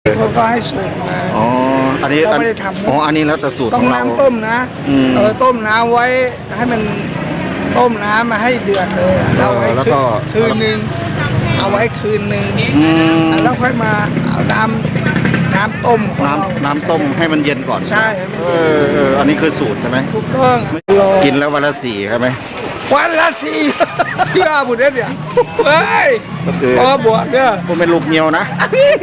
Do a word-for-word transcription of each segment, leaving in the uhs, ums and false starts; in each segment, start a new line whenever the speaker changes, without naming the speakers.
เขาก็ให้สูตรมา
อ๋ออันนี้
เราไม่ได้ทำ
อ๋ออันนี้แล้วแต่สูตร
ต้
ข
อง
องเรา
น้ำต้มนะ
อืม
เออต้มน้ำไว้ให้มันต้มน้ำมาให้เดือดเลยเราไว้
แล้วก็
คืนหนึ่งเอาไว้คืนหนึ่ง
อืม
แล้วค่อยมาเอาน้ำน้ำต้มของเรา
น้ำน้ำต้มให้มันเย็นก่อน
ใช่
เออเอออันนี้คือสูตรใช่ไหม
ถูกต้อง
กินแล้ววันละสี่ใช่ไหม
วันละสี่เชื่อบุญเนี่ยเฮ้ย
ก็คือ
พอบวชเนี่ย
ผมเป็นลูกเมียวนะ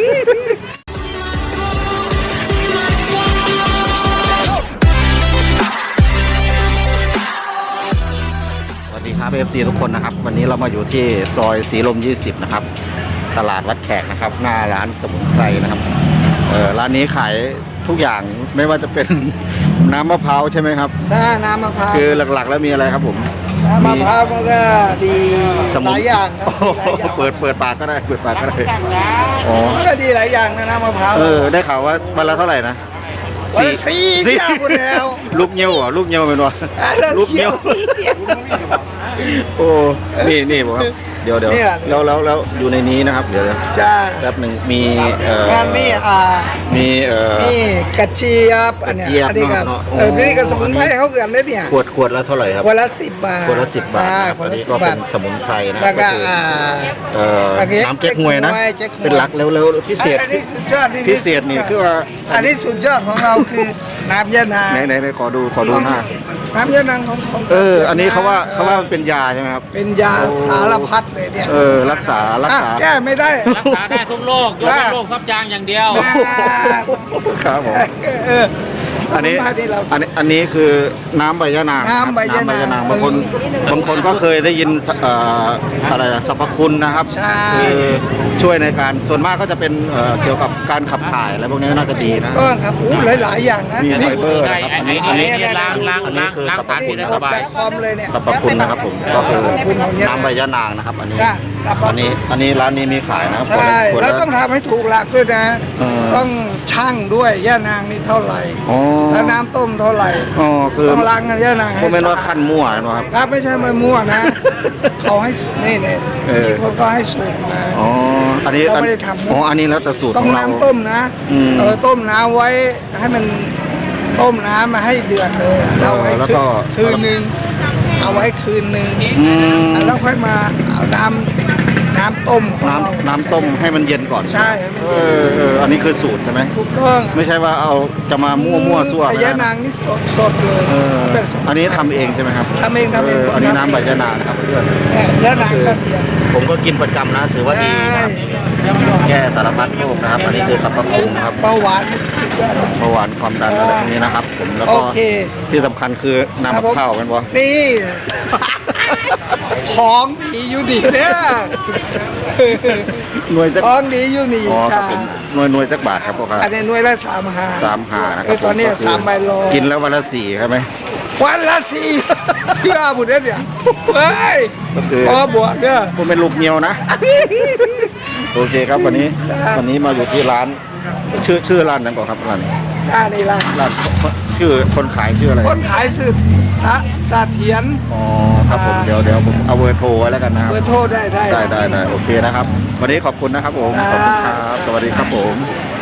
สวัสดีครับ เอฟ ซี ทุกคนนะครับวันนี้เรามาอยู่ที่ซอยสีลมยี่สิบนะครับตลาดวัดแขกนะครับหน้าร้านสมุนไพรนะครับเออร้านนี้ขายทุกอย่างไม่ว่าจะเป็น น้ำมะพร้าวใช่ไหมครับ
ถ้าน้ำมะพร้าว
คือหลักๆแล้วมีอะไรครับผม
น้ำมะพร้าวมันก็ดี
ส
ห
มุน
ลายอย่างครับ
โอ้โหเปิดเปิดปากก็ได้เปิดปากก็ได้อ๋อ
มันก็ดีหลายอย่างนะน้ำมะพร้าว
เออได้ข่าวว่าวันละเท่าไหร่นะ
วันละสี่เที่ยวคุณแล้ว
ลูกเงี้ยวเหรอลูกเงี้ยวเป็นวะ
แล้ว
ลูกเงี้ยว
เที่ยว
โอ้นี่นี่ผมครับเดี๋ยวเดี๋ยว
เนี่ย
แล้วแล้วแล้วอยู่ในนี้นะครับเดี๋ยวเดี๋ยว
จ้า
แป๊บหนึ่งมีเอ่อง
านมีอ่า
มีเอ่อ
นี่กระเจี๊ยบอันเนี้ย
กระเจี๊ยบ
อันนี้ก็
เนาะ
เออ
อ๋อ
นี่ก็สมุนไพรเขาเกินเลยเนี่ย
ขวดขวดละเท่าไหร่ครับ
วันละสิบบาท
ขวดละสิบบาทนะครับ
วั
อั
น
น
ละ
นี้
สิ
ก็
บบา
เป็
ท
นสมุนไพรนะ
แล้วก็
คือ
อ่า
เอ่อ
โอเค
น้ำเก๊กฮวยนะ
เก๊กฮวย
เป็นหลักแล้วแล้วพิเศษ
อันนี้สุดยอด
พิเศษนี่คือว่า
อันนี้สุดยอดของเราคือน้ำยะนาง
ไหนไหนไหนขอดูขอดูหน้า
น้ำยะนางของของ
เออ อันนี้เขาว่าเขาว่ามันเป็นยาใช่ไหมครับ
เป็นยาสารพัดเลยเนี่ย
เออ รักษา รักษา
อ่ะแก้ไม่ได้
รักษาได้ทุกโรคยกเว้นโรคซับจางอย่างเดียว
ครับผม
เออ
อันนี้
สมุไพรที่เรา
อันนี้อันนี้คือน้ำใบยะนาง
น้ำใบยะนาง
น้ำใบยะนางบางคนบางคนก็เคยได้ยินเอ่ออะไรนะสรรพคุณนะครับ
ใช่
คือช่วยในการส่วนมากก็จะเป็นเอ่อเกี่ยวกับการขับถ่ายอะไรพวกนี้น่าจะดีนะ
ก็ครับอู้หลายๆอย่างนะ
มีไฟเบอร์
ได้
นะครับ
อั
อั
น
น
นี้
นี้
อั
อั
น
น
นี้
นี้
ล้างล้าง
อันนี้
ล้าง
คือ
ล้าง
สรรพ
สาร
คุ
พิ
ณ
ษได้สบาย
คอมเลยเนี่ย
สรรพคุณนะครับผมก็คือ
สรรพคุณของยะนาง
น้ำใบยะนางนะครับ อันนี้
จ้ะครับ
อันนี้อันนี้ร้านนี้มีขายนะครับ
ใช่
ขวด
แล้ว
ละ
ต้องทำให้ถูกหลักด้วยนะ
เออ
ต้องช่างด้วยย่านางนี่เท่าไหร่
อ๋อ
แล้วน้ำต้มเท่าไหร่
อ๋อคือ
ต้องล้างกันย่านางให้
ผมเป็นว่า
สะอาด
ขั้นมั่วนะครับ
ครับไม่ใช่มามั่วนะ เขาให้นี่เนี่ย
เออ
เขาก็ให้สูตรมา
อ๋ออันนี้
เราไม่ได้ทำ
อ๋ออันนี้แล้วแต่สูตร
ต้อ
ข
ง
องเรา
น้ำต้มนะ
อืม
เออต้มน้ำไว้ให้มันต้มน้ำมาให้เดือดเลยเราไว้
แล้วก็
คืนหนึ่งเอาไว้คืนหนึ่ง
อืม
แล้วค่อยมาเอาน้ำน้ำต้มของเรา
น้ำน้ำต้มให้มันเย็นก่อน
ใช่
เออเอออันนี้คือสูตรใช่ไหม
ถูกต้อง
ไม่ใช่ว่าเอาจะมามั่วมั่วซั่ว
แต่
ไม่
ยะ
ได้
นา
นะ
งนี่สดสดเลย
เออ
เป็นสมุ
อันนี้ทำเองใช่ไหมครับ
ทำเองทำเอง
อันนี้น้ำใบยะนางนะครับเพื่อน
แต่ยะนางก็เทียม
ผมก็กินประจำนะถือว่าดีนะครับแก้สารพัดโรคนะครับ อันนี้คือสรรพคุณนะครับ
เบาหวาน
เบาหวานความดันอะไรพวกนี้นะครับ ผมแล้ว
โอ
ก็
เค
ที่สำคัญคือน้ำมะพร้าวเป็นบ่
นี่ ของดีอยู่ดีเนี่ย
หน่วยจะ
ของดีอยู่นี่
อ๋อครั
จ้า
บผมหน่วยหน่วยจักบาทครับพ่อครับ
อันนี้หน่วยละสามหา
สามหานะค
เอ
รั
อบ ตอนนี้
ก็คือ
สามใบโล
กินแล้ววันละสี่ใช่ไหม
วันละสี่เชื่อบุญเนี่ยเฮ้ย
ก็คือ
พอบวชเนี่ย
ผมเป็นลูกเมียวนะ โอเคครับวันนี้วันนี้มาอยู่ที่ร้าน ชื่อชื่อร้านนั้นก่อนครับร้าน
อ่านี่ละ
ร้านชื่อคนขายชื่ออะไร
คนขายสืบพระสาเทียน
อ๋อครับผมเดี๋ยวเดี๋ยวผมเอาเบอร์โทรไว้แล้วกันนะครับ
เบอร์โทรได้ได้
ได้ได้ได้โอเคนะครับ วันนี้ขอบคุณนะครับผมขอบคุณครับสวัสดีครับผม